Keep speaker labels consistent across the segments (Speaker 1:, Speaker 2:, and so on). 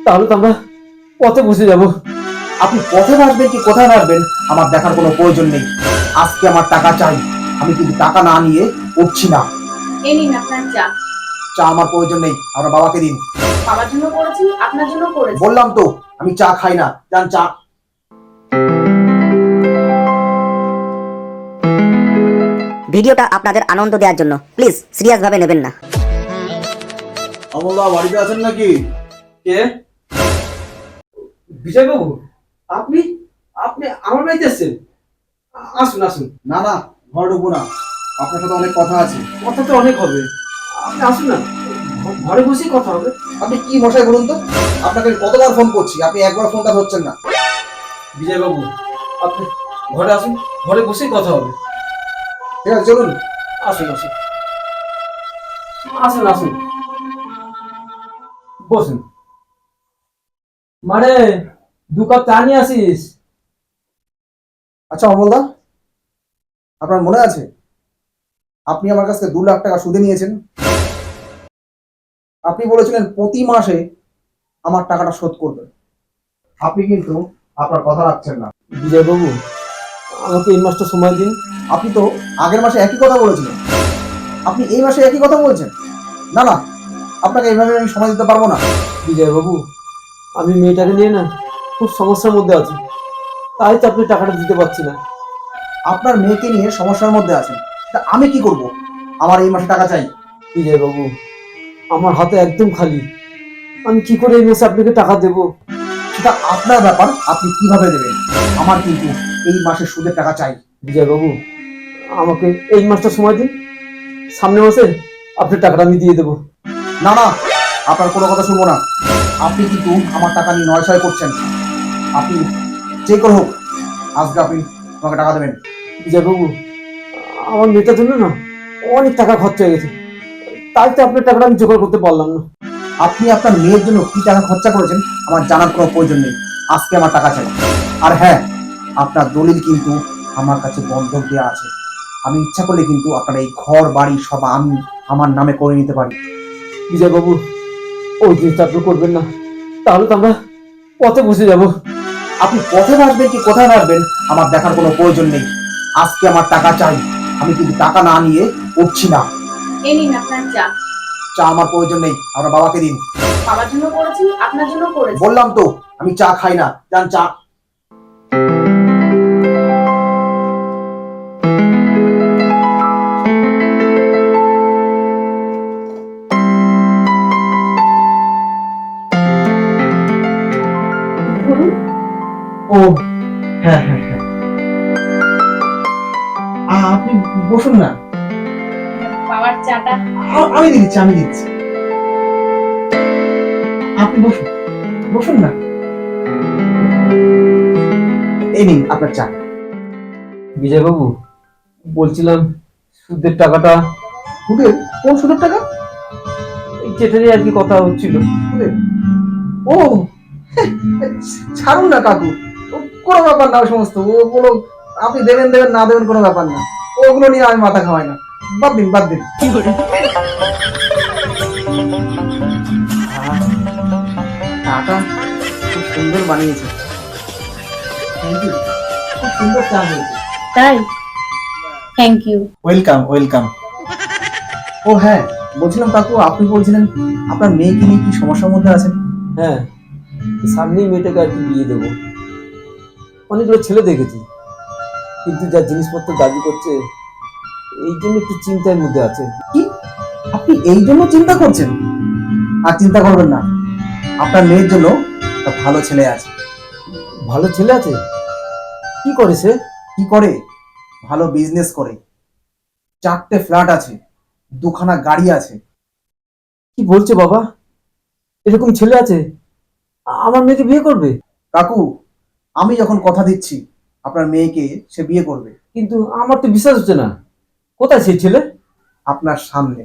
Speaker 1: তাহলে তো আমরা পথে বসে যাব।
Speaker 2: আপনি পথে ভাসবেন কি কোথায় ভাসবেন আমার দেখার কোনো প্রয়োজন নেই। আজকে আমার টাকা চাই। আমি কিন্তু টাকা না নিয়ে উঠছি না।
Speaker 3: এই নিন আপনার চা।
Speaker 2: চা আমার প্রয়োজন নেই, আমার বাবাকে দিন।
Speaker 3: বাবার জন্য করেছি, আপনার জন্য করেছি।
Speaker 2: বললাম তো আমি চা খাই না, যান চা।
Speaker 4: ভিডিওটা আপনাদের আনন্দ দেওয়ার জন্য প্লিজ সিরিয়াস ভাবে নেবেন না।
Speaker 2: অমলদা বাড়িতে আছেন নাকি?
Speaker 1: কে? বিজয় বাবু, আপনি আপনি আমার বাড়িতে এসেছেন? আসুন আসুন।
Speaker 2: না না, ঘর ঢুকবো না, আপনার সাথে অনেক কথা আছে।
Speaker 1: কথা তো অনেক হবে, আপনি আসুন না, ঘরে বসেই কথা হবে।
Speaker 2: আপনি কি মশাই বলুন তো? আপনাকে আমি কতবার ফোন করছি, আপনি একবার ফোনটা ধরছেন না।
Speaker 1: বিজয় বাবু, আপনি ঘরে আসুন, ঘরে বসেই কথা হবে।
Speaker 2: ঠিক আছে চলুন।
Speaker 1: আসুন আসুন আসুন আসুন, বসুন। মানে 2 কাপ চা নিয়ে আসিস।
Speaker 2: আচ্ছা অমলদা, আপনার মনে আছে আপনি আমার কাছ থেকে 2 লাখ টাকা সুদে নিয়েছেন? আপনি বলেছিলেন প্রতি মাসে আমার টাকাটা শোধ করবেন। আপনি কিন্তু আপনার কথা রাখছেন না।
Speaker 1: বিজয় বাবু, আমাকে এই মাসটা সময় দিন।
Speaker 2: আপনি তো আগের মাসে একই কথা বলেছিলেন, আপনি এই মাসে একই কথা বলছেন। না না, আপনাকে এইভাবে আমি সময় দিতে পারবো না।
Speaker 1: বিজয় বাবু, আমি মেয়েটাকে নিয়ে না খুব সমস্যার মধ্যে আছি, তাই তো আপনি টাকাটা দিতে পারছি না।
Speaker 2: আপনার মেয়েকে নিয়ে সমস্যার মধ্যে আছেন, তা আমি কি করব? আমার এই মাসে টাকা চাই।
Speaker 1: বিজয় বাবু, আমার হাতে একদম খালি, আমি কি করে এই মাসে আপনাকে টাকা দেব?
Speaker 2: সেটা আপনার ব্যাপার, আপনি কিভাবে দেবেন। আমার কিন্তু এই মাসে সুদের টাকা চাই।
Speaker 1: বিজয় বাবু, আমাকে এই মাসটা সময় দিন, সামনের মাসে আপনার টাকাটা আমি দিয়ে দেবো।
Speaker 2: না না, আপনার কোনো কথা শুনবো না। আপনি কিন্তু আমার টাকা নিয়ে নয়ছয় করছেন। আপনি যে করে হোক আজকে আপনি আমাকে টাকা দেবেন।
Speaker 1: বিজয় বাবু, আমার মেয়েটার জন্য না অনেক টাকা খরচা হয়ে গেছে, তাই তো আপনার টাকাটা আমি জোগাড় করতে পারলাম না।
Speaker 2: আপনি আপনার মেয়ের জন্য কি টাকা খরচা করেছেন আমার জানার কোনো প্রয়োজন নেই। আজকে আমার টাকা চাই। আর হ্যাঁ, আপনার দলিল কিন্তু আমার কাছে বন্ধক দেওয়া আছে। আমি ইচ্ছা করলে কিন্তু আপনার এই ঘর বাড়ি সব আমি আমার নামে করে নিতে পারি।
Speaker 1: বিজয় বাবু, ওই জিনিসটা আপনি করবেন না, তাহলে তো আমরা পথে বসে যাব।
Speaker 2: আপনি পথে ভাসবেন কি কোথায় ভাসবেন আমার দেখার কোনো প্রয়োজন নেই। আজকে আমার টাকা চাই। আমি কিন্তু টাকা না নিয়ে উঠছি না।
Speaker 3: এই নিন আপনার চা।
Speaker 2: চা আমার প্রয়োজন নেই, আমার বাবাকে দিন।
Speaker 3: বাবার জন্য করেছি, আপনার জন্য করেছি।
Speaker 2: বললাম তো আমি চা খাই না, যান চা।
Speaker 3: বলুন।
Speaker 2: ও হ্যাঁ হ্যাঁ হ্যাঁ, আপনি বসুন না।
Speaker 3: বাবার চাটা।
Speaker 2: আমি দিচ্ছি, আমি দিচ্ছি। আপনি বসুন, বসুন না। এই নিন আপনার চা।
Speaker 1: বিজয় বাবু, বলছিলাম সুদের টাকাটা,
Speaker 2: সুদের? কোন সুদের টাকা?
Speaker 1: এই যেটা নিয়ে আর কি কথা হচ্ছিল।
Speaker 2: সুদের? ও ছাড়ুন না কাকু, ও কোনো ব্যাপার না। ওই সমস্ত ওগুলো আপনি দেবেন দেবেন না দেবেন কোনো ব্যাপার না। ওগুলো নিয়ে আমি মাথা খাওয়াই না। বাদ দিন বাদ দিন। চাটা খুব সুন্দর বানিয়েছে। Thank you. খুব সুন্দর চা হয়েছে।
Speaker 3: তাই? Thank you.
Speaker 2: Welcome welcome. ও হ্যাঁ, বলছিলাম কাকু, আপনি বলছিলেন আপনার মেয়েকে নিয়ে কি সমস্যার মধ্যে আছেন?
Speaker 1: হ্যাঁ, সামনেই মেয়েটাকে আর কি বিয়ে দেবো। অনেকগুলো ছেলে দেখেছি, কিন্তু যা জিনিসপত্র দাবি করছে, এই জন্য একটু চিন্তার মধ্যে আছে।
Speaker 2: কি আপনি এই জন্য চিন্তা করছেন? আর চিন্তা করবেন না, আপনার মেয়ের জন্য একটা ভালো ছেলে আছে।
Speaker 1: ভালো ছেলে আছে? কি করে সে?
Speaker 2: কি করে? ভালো বিজনেস করে, 4টে ফ্ল্যাট আছে, 2খানা গাড়ি আছে।
Speaker 1: কি বলছে বাবা, এরকম ছেলে আছে? আমার মেয়েকে বিয়ে করবে?
Speaker 2: কাকু, আমি যখন কথা দিচ্ছি আপনার মেয়েকে সে বিয়ে করবে।
Speaker 1: কিন্তু আমার তো বিশ্বাস হচ্ছে না। কোথায় সেই ছেলে?
Speaker 2: আপনার সামনে।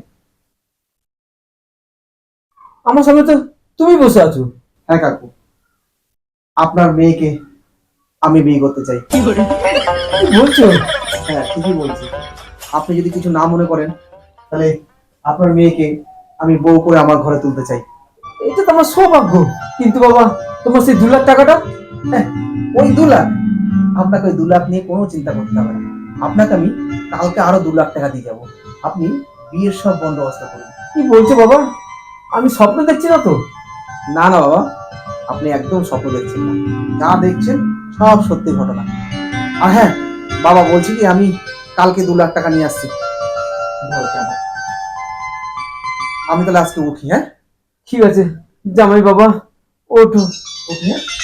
Speaker 1: আমার সামনে তো তুমি বসে আছো।
Speaker 2: হ্যাঁ কাকু, আপনার মেয়েকে আমি বিয়ে করতে চাই।
Speaker 1: কি বলছো?
Speaker 2: হ্যাঁ ঠিকই বলছি। আপনি যদি কিছু না মনে করেন তাহলে আপনার মেয়েকে আমি বউ করে আমার ঘরে তুলতে চাই।
Speaker 1: এটা তো আমার সৌভাগ্য। কিন্তু বাবা, তোমার সেই 2 লাখ টাকাটা?
Speaker 2: হ্যাঁ, ওই 2 লাখ, আপনাকে ওই 2 লাখ নিয়ে কোনো চিন্তা করতে হবে না। আপনাকে আমি কালকে আরো 2 লাখ টাকা দিয়ে যাবো। আপনি বিয়ের সব বন্দোবস্ত করুন।
Speaker 1: কি বলছো বাবা? আমি স্বপ্ন দেখছি না তো?
Speaker 2: না না বাবা, আপনি একদম স্বপ্ন দেখছেন না, যা দেখছেন সব সত্যি ঘটনা। আর হ্যাঁ বাবা, বলছি কি আমি কালকে 2 লাখ টাকা নিয়ে আসছি। আমি তাহলে আজকে উঠি। হ্যাঁ
Speaker 1: ঠিক আছে, জামাই বাবা, ওঠো।
Speaker 2: উঠি, হ্যাঁ।